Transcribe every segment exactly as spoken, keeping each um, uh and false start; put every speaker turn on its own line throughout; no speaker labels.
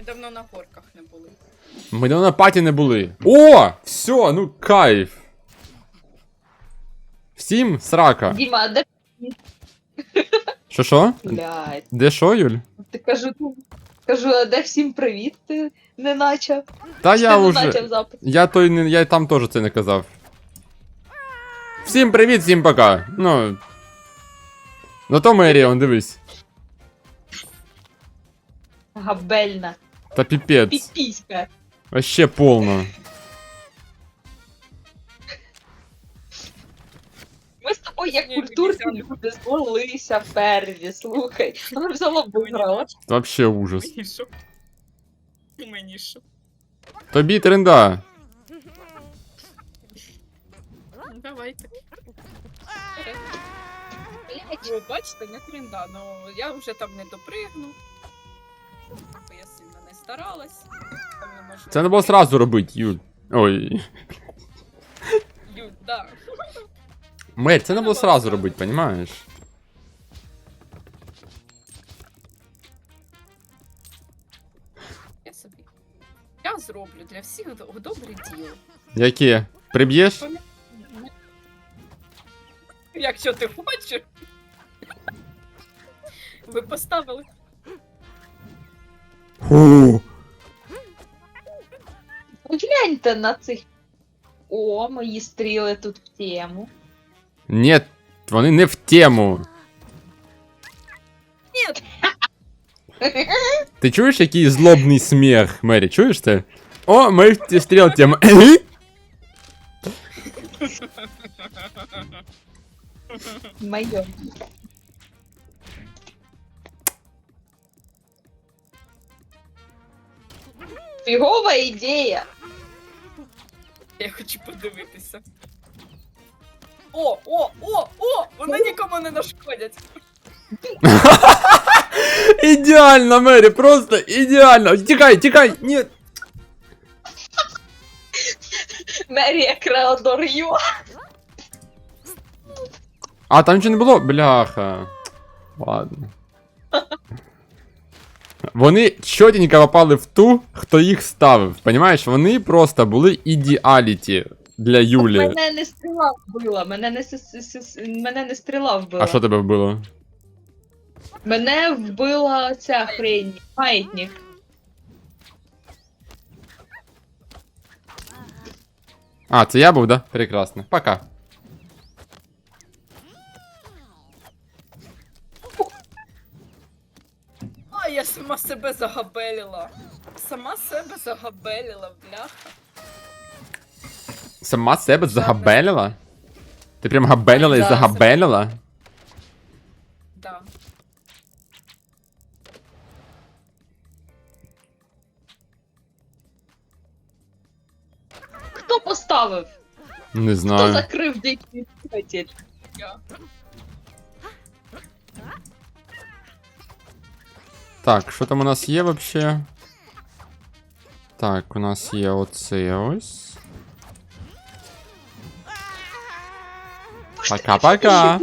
давно на горках не були.
Ми давно на паті не були. О! Все, ну кайф. Всім срака.
Діма, а де...
Що що?
Блядь.
Де що, Юль?
Ти кажу, ну, кажу, а де всім привіт ти не начав?
Та
Чи
я
ти не
уже.
начав запис?
Я той не. Я там теж це не казав. Всім привіт, всім пока. Ну. Зато Меріон, дивись.
Габельна.
Та піпець.
Піпіська.
Вообще повно.
Ми з тобою як
Ні,
культурні
ні,
люди злилися в перві, слухай. Вона взяла виграла.
Вообще ужас.
Мені що? Мені що?
Тобі тренда.
Давайте. Ви бачите, не тренда, ну я вже там не допригну. Бо я сильно не старалась. Там не можу-
Це не було сразу робити, Юль. Ой.
Ю, да.
Мер, це не було сразу робити, понімаєш?
Я собі. Я зроблю для всіх до- добре діло.
Яке? Приб'єш?
Якщо ти хочеш. Ви поставили.
Фу.
Гляньте на цих. О, мої стріли тут в тему.
Ні, вони не в тему.
Ні,
Ти чуєш, який злобний сміх, Мері, чуєш це? О, ми в ті стріл тему.
Моє. Фігова ідея.
я хочу подивитися. О, о, о, о! Вони нікому не нашкодять.
Ідеально, Мері, просто ідеально. Тікай, тікай, ні.
Мерія Креодор Ю.
А, там нічого не було? Бляха. Ладно. Вони чотенько попали в ту, хто їх ставив. Понімаєш? Вони просто були ідеаліті для Юлі.
Мене не стріла вбила, мене не, с- с- с- мене не стріла вбила.
А що тебе вбило?
Мене вбила ця хрень, маятник.
А, це я був, да? Прекрасно. Пока.
А, я сама себе загабелила. Сама себе загабелила, бляха.
Сама себе загабелила? Ти прям габелила і
Да,
загабелила?
Да.
Хто поставив?
Не
Хто
знаю.
закрив дикий двигатель?
Я.
Так, що там у нас є вообще? Так, у нас є оце ось. Пока-пока.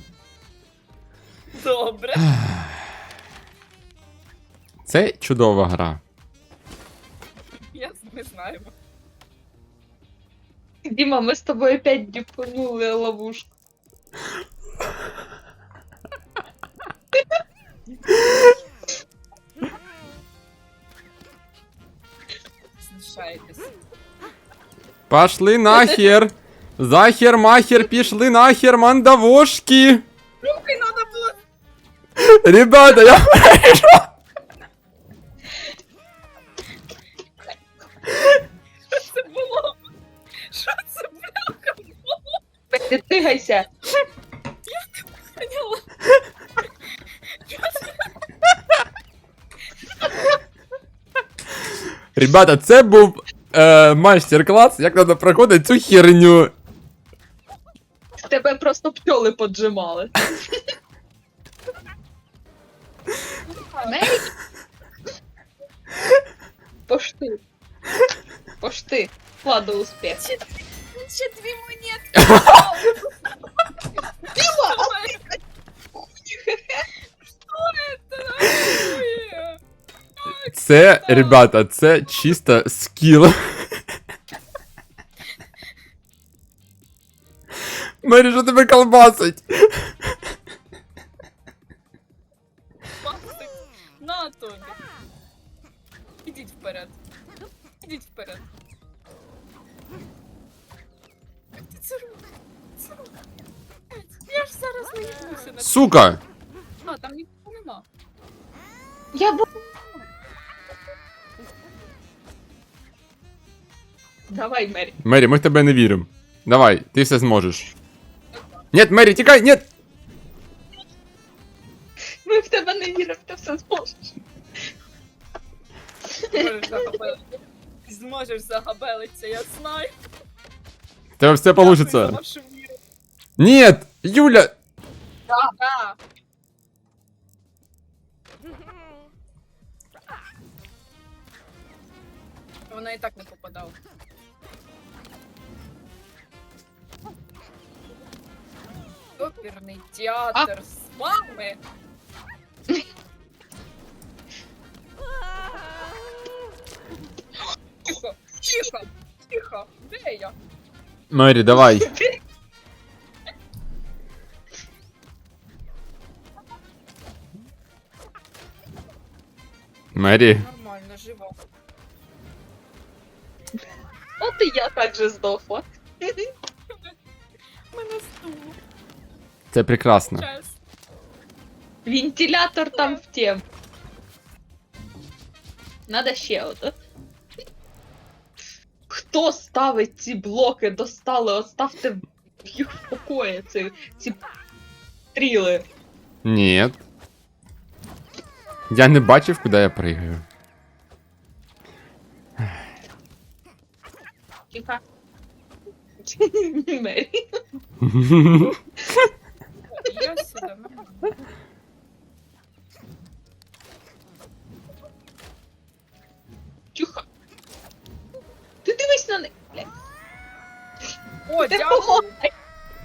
Добре.
Це чудова гра.
Я не знаю.
Діма, ми з тобою опять діпанули ловушку.
Знущаєтесь.
Пошли нахер. Захер, махер, пішли нахер, мандавошки.
Руки надо було.
Ребята, я прийшов.
Що це було? Що це, бляха, було?
Не тигайся.
Поняла? Що це?
Ребята, це був е, майстер-клас, як треба проходити цю херню.
Тебе просто пчоли поджимали. Мері? Пошти. Пошти. Ладно, успіх.
Ще, ще дві монетки.
Діма,
Що це?
Це, ребята, це чисто скіл. Мері, що тебе колбасить?
Максик, на тобі. Ідіть вперед. Ідіть вперед. Як ти це робиш? Це робиш? Я ж зараз не відбуся на
Сука!
А, там нікого нема.
Я б... Давай, Мері.
Мері, ми в тебе не віримо. Давай, ти все зможеш. Нет, Мері, тікай, нет!
Ми в тебе не віримо, ти все зможеш.
Зможеш загабелитися. Зможеш загабелитися, я знаю.
В тебе все
Дякую за
получится.
вашу віру.
Нет! Юля!
Да. Вона і так не попадала. Оперний театр з вами. Тихо, тихо, тихо. Де я?
Мері, давай. Мері.
Нормально, жива.
От і я так же здохла.
Мене стуло.
Це прекрасно.
Час.
Вентилятор там в тем. Надо ще ото. Хто ставить ці блоки? Достали, оставте їх в покої, ці, ці стріли.
Нет. Я не бачив, куди я пригаю.
Тихо. Мері.
Я сюди, нормально.
Тихо. Ти дивись на них. Блядь.
О,
Ти
дякую.
помогай.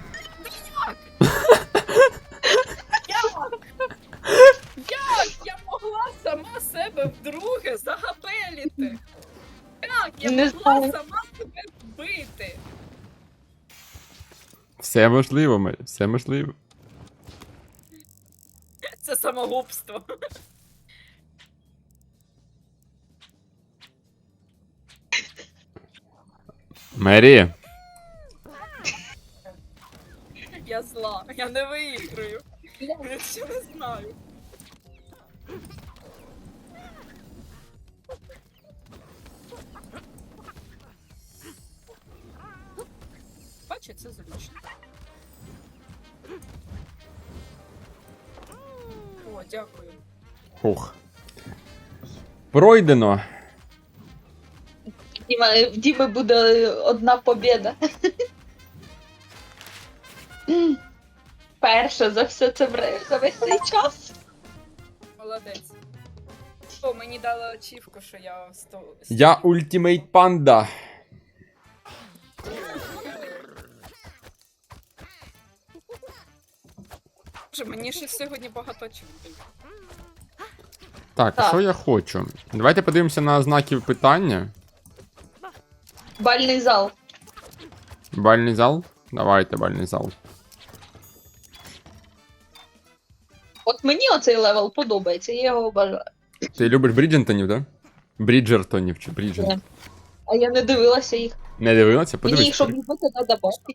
Як? Як я могла сама себе вдруге загабеліти? Як я
Не
могла
знаю.
сама себе вбити?
Все можливо, Мері, все можливо.
Це самогубство.
Мері.
Я зла, я не виіграю. Я ще не знаю. Бачу, це зручно. О, дякую.
Хух. Пройдено.
Діма, в Діми буде одна побєда. Перша за все це вре- за весь цей час.
Молодець. О, мені дали ачівку, що я сто...
Я ультимейт панда.
Боже, мені ще сьогодні багато ачівків.
Так,
Так.
що я хочу? Давайте подивимося на знаки питання.
Бальний зал.
Бальний зал? Давайте, бальний зал.
От мені оцей левел подобається, я його бажаю.
Ти любиш Бріджентонів, да? Бріджертонів чи Бріджент?
Ні. А я не дивилася їх.
Не дивилася?
Мені
Подивись.
їх, щоб любити, треба бачити.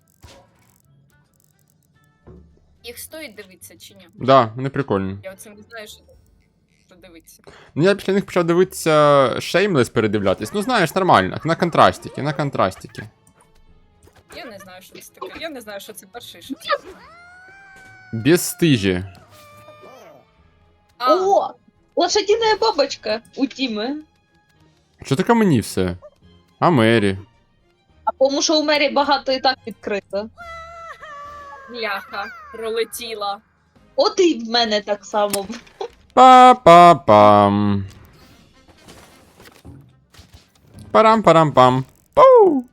Їх стоїть дивитися чи ні?
Да, вони прикольні.
Я оце не знаю, що, що дивитися.
Ну я після них почав дивитися Shameless передивлятись. Ну знаєш, нормально. На контрастики, на контрастики.
Я не знаю, що це таке. Я не знаю, що це перший, що це.
Безстижі.
А,
О! Лошадіна бабочка у Тіми.
Що таке мені все? А Мері?
А тому що у Мері багато і так відкрито.
бляха, пролетіла.
От і в мене так само.
Па-па-пам. Парам-парам-пам. Пау!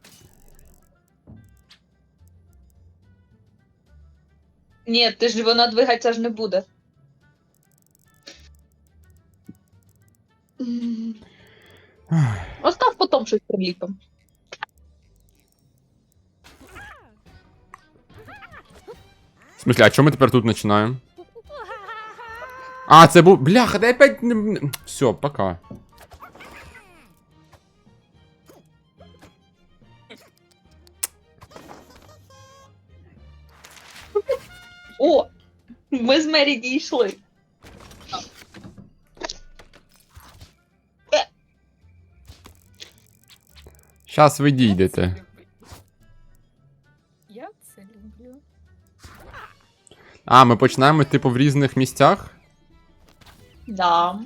Ні, ти ж вона двигатися ж не буде. М. Остав потім щось приліпимо.
В смысле, а чому ми тепер тут починаємо? А, це був. Бляха, дай опять. Все, пока.
О! Ми з Мері дійшли.
Щас ви дійдете.
Я це люблю.
А, ми починаємо, типу, в різних місцях?
Да.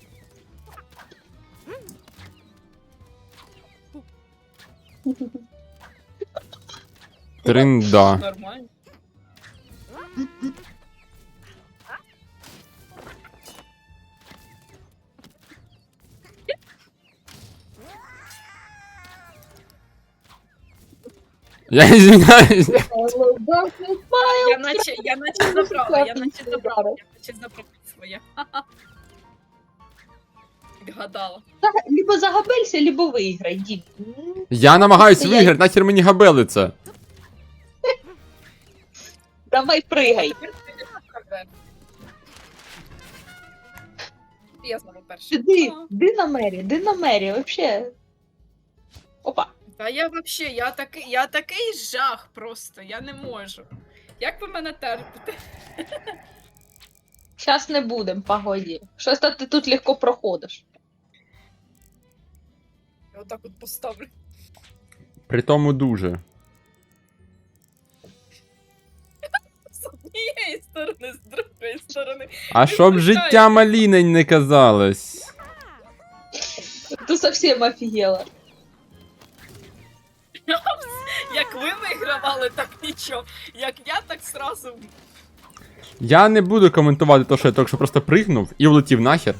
Тринда.
Нормально.
Я извиняюсь.
Я наче, я наче забрала, я наче забрала, я наче забрала своє. Гадала.
Либо загабелься, либо виграй, Дім.
Я намагаюсь
Я-
виграти, нахер мені габелиться.
Давай пригай.
Тепер ти не Я знову перший.
Іди,
А.
іди на Мері, іди на Мері, вообще. Опа.
Та я вообще, я такий, я такий жах просто, я не можу. Як ви мене терпите?
Щас не будем, погоді. Щось то ти тут легко проходиш.
Я отак от поставлю.
При тому дуже.
З однієї сторони, з другої сторони.
А щоб життя малінень не казалось.
Ти совсем офігела.
Як ви вигравали, так нічого. Як я, так сразу.
Я не буду коментувати те, що я тільки що просто пригнув і влетів нахер.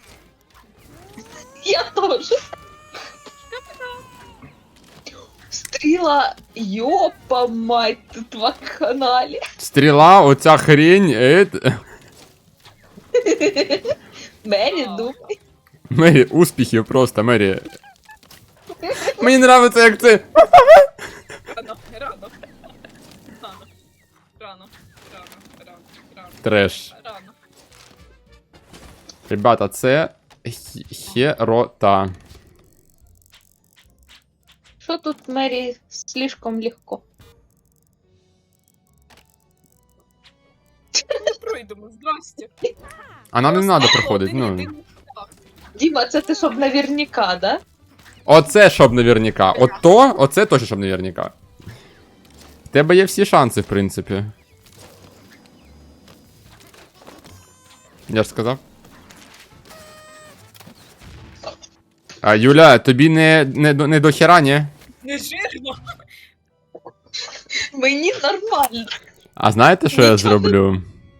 Я теж. Стріла, йопа мать, тут в каналі.
Стріла, оця хрень, ет...
Мері,
А.
думай.
Мері, успіхів просто, Мері. Мені нравиться, як це.
Рано, рано. Рано. Рано. Рано. Рано. Рано.
Треш.
Рано.
Ребята, це хі- херота.
Що тут Мері слишком легко?
Не пройдемо, здрасте.
А нам не
Просто
треба проходити,
один
ну.
єдиний шлях.
Діма, це ти щоб наверняка, да?
Оце щоб наверняка. От то, оце точно щоб наверняка. В тебе є всі шанси, в принципі. Я ж сказав. А, Юля, тобі не, не, до- не до хера, ні?
Не жирно.
Мені нормально.
А знаєте, що я
Нічого.
зроблю?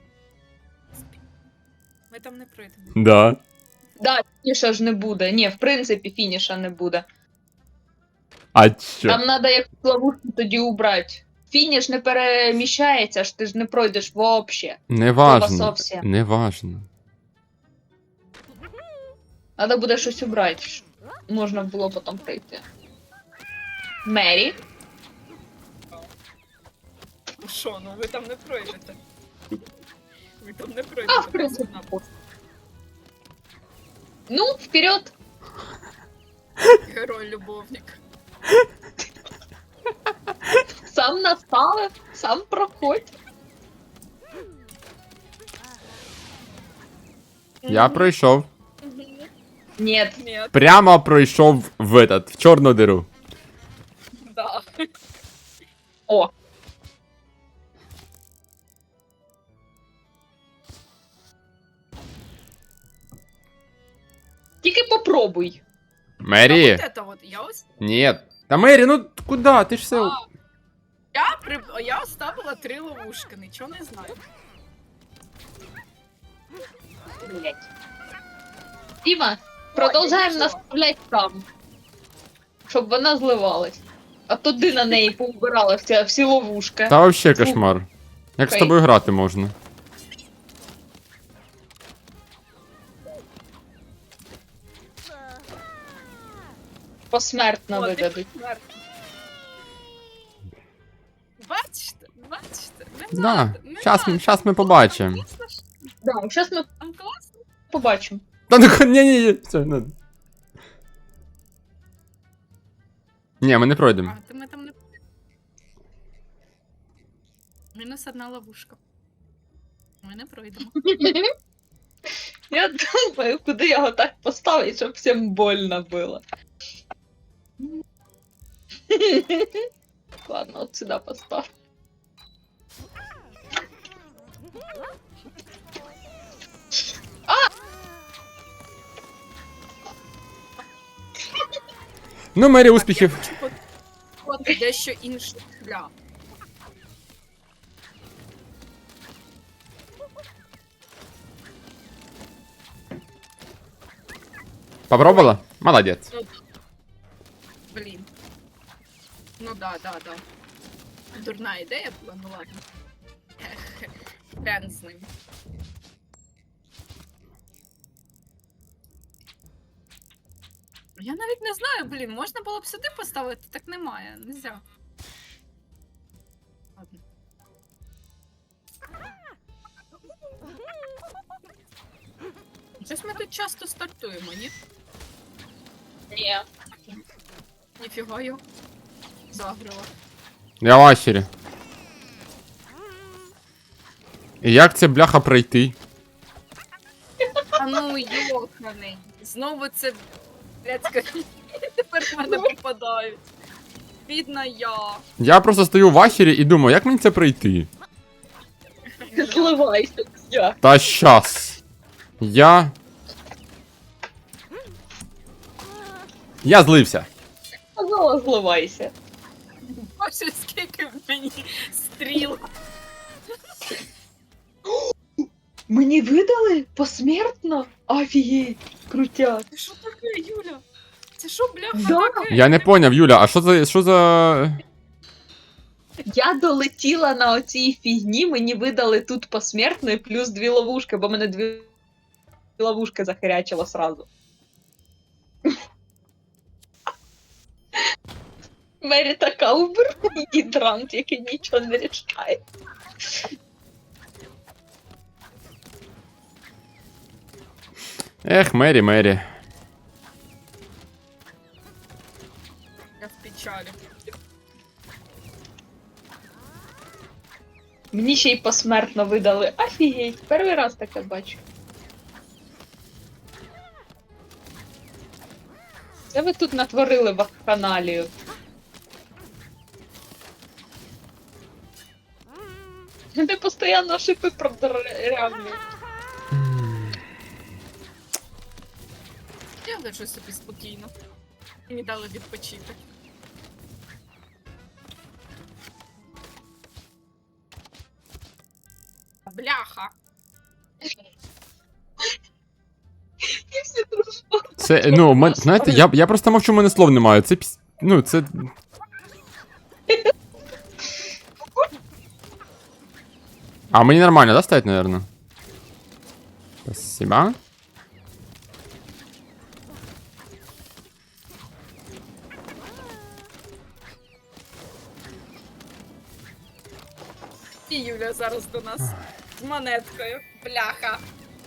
Ми там не пройдемо.
Да.
Да, фініша ж не буде. Ні, в принципі, фініша не буде.
А що?
Там треба як ловушку тоді убрати. Фініш не переміщається, ж ти ж не пройдеш вообще.
Не важно.
зовсім.
Не важно.
Треба буде щось убрати, щоб можна було потім пройти. Мері.
Ну що, ну ви там не пройдете. Ви там не
А, в
пройдете.
принципі.
пацана.
Ну, вперед.
Герой-любовник.
Сам наставив, сам проходь.
Я пройшов.
Ні.
Ні,
Прямо пройшов в этот, в чорну диру.
да.
О. Тільки попробуй.
Мері.
А вот это вот, я ось
Нет. Та Мері, ну куди? Ти ж все.
А. Я, при... я оставила три ловушки, нічого не знаю.
Блять. Діма, продовжаємо
я
наставляти там. Щоб вона зливалась. А то ти на неї поубирала всі, всі ловушки.
Та вообще кошмар. Як з
Окей.
тобою грати можна?
посмертно
О, ти
видадуть.
посмертно. Бачите, бачите, не
Да,
надо, не
щас,
надо.
щас ми побачимо.
Класно ж,
Да, зараз ми
там класно.
побачимо.
Та ну ні, ні, ні, все, не. Ні, ми не пройдемо.
А, то ми там не... Мінус одна ловушка. Ми не пройдемо.
Я думаю, куди його так поставити, щоб всім больно було. Ладно, от сюди постав.
Ну, Мері, успіхів.
Я хочу от дещо інший шлях.
Попробувала? Молодець.
Блін. Ну да, да, да. Дурна ідея була, ну ладно. Ех, хрен з ним. Я навіть не знаю, блін, можна було б сюди поставити, так немає, нельзя. Ладно. Щось ми тут часто стартуємо, ні?
Ні.
Ніфіга його. Загрила.
Я в ахері. І як це бляха пройти?
А ну йоханий. Знову це блядська. Тепер в мене попадають. Бідна я.
Я просто стою в ахері і думаю, як мені це пройти?
Зливайся, я.
Та щас. Я. Я злився.
Сказала, зливайся.
Боже, скільки в мені стріл.
Мені видали посмертно? Офігеть, крутяк.
Це що таке, Юля? Це що, бляха,
Да.
таке?
Я не поняв, Юля, а що за. Що за.
Я долетіла на оцій фігні, мені видали тут посмертно і плюс дві ловушки, бо мене дві ловушки захарячило сразу. Мері така убер гідрант, який нічого не рішає.
Ех, Мері, Мері.
Я в печалі.
Мені ще й посмертно видали. Офігеть, перший раз таке бачу. Це ви тут натворили вакханалію. Ти постійно шипи продырявлюєш.
Я лежу собі спокійно. Мені дали відпочити. Бляха!
І всі дружно.
Це, ну, мен, знаєте, я, я просто мовчу, у мене слов немає. Це піс... Ну, це. А мені нормально, да, стоять, наверное? Спасибо.
І Юля зараз до нас з монеткою. Бляха!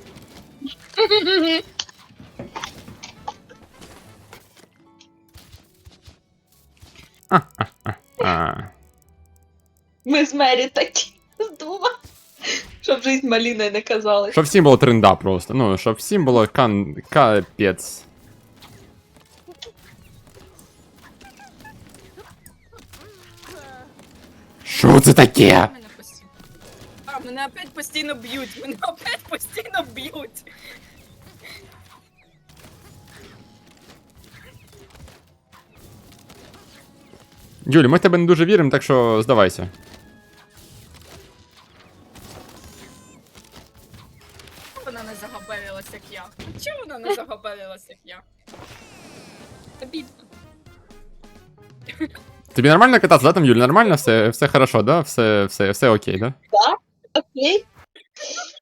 А.
Ми з Мері такі з двома. Щоб жизнь маліною не казалась.
Щоб всім було тренда просто. Ну, щоб всім було кан... капець. Що це таке?
Мене постійно. А, мене опять постійно б'ють. Мене опять постійно б'ють.
Юлі, ми в тебе не дуже віримо, так що здавайся.
Вона не загабелилась, як я. Чому вона не загабелилась, як я? Обідно.
Тобі нормально кататися, да, там, Юлі? Нормально? Все, все хорошо, да? Все, все, все окей, да?
Окей.